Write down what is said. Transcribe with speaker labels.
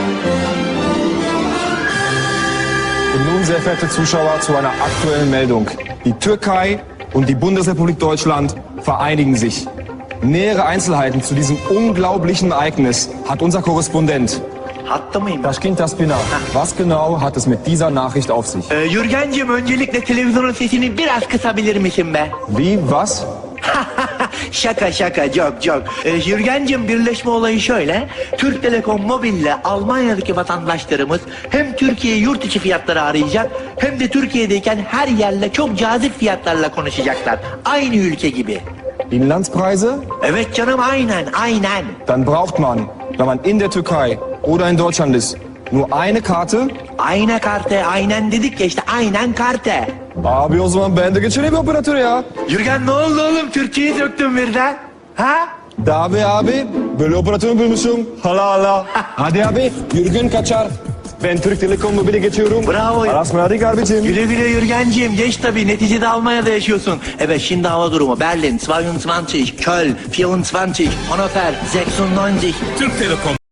Speaker 1: Und nun, sehr verehrte Zuschauer, zu einer aktuellen Meldung. Die Türkei und die Bundesrepublik Deutschland vereinigen sich. Nähere Einzelheiten zu diesem unglaublichen Ereignis hat unser Korrespondent.
Speaker 2: Hatta mıyım?
Speaker 1: Taşkent Taspina. Was genau hat es mit dieser Nachricht auf sich?
Speaker 2: Yürgencim, öncelikle televizyonun sesini biraz kısabilir misin be?
Speaker 1: Wie, was?
Speaker 2: Şaka, joke. Yürgencim, birleşme olayı şöyle. Türk Telekom Mobil'le Almanya'daki vatandaşlarımız hem Türkiye yurt içi fiyatları arayacak hem de Türkiye'deyken her yerle çok cazip fiyatlarla konuşacaklar. Aynı ülke gibi.
Speaker 1: Inlandspreise?
Speaker 2: Evet canım, aynen.
Speaker 1: Dann braucht man, wenn man in der Türkei oder in Deutschland ist, nur eine Karte.
Speaker 2: Ayna karte, aynen dedik ya işte, aynen karte.
Speaker 1: Abi o zaman ben de geçireyim operatörü ya.
Speaker 2: Yürgen, ne oldu oğlum? Türkçeyi söktün birden. Ha?
Speaker 1: Dabi abi, böyle operatörü bulmuşum. Hala. Hadi abi, Jürgen kaçar. Ben Türk Telekom Mobil'e geçiyorum.
Speaker 2: Bravo.
Speaker 1: Aras hadi abicim.
Speaker 2: Güle güle Yürgenciğim, geç tabii, neticede Almanya'da yaşıyorsun. Evet, şimdi hava durumu: Berlin 22, Köln 24, Hannover 96.
Speaker 3: Türk Telekom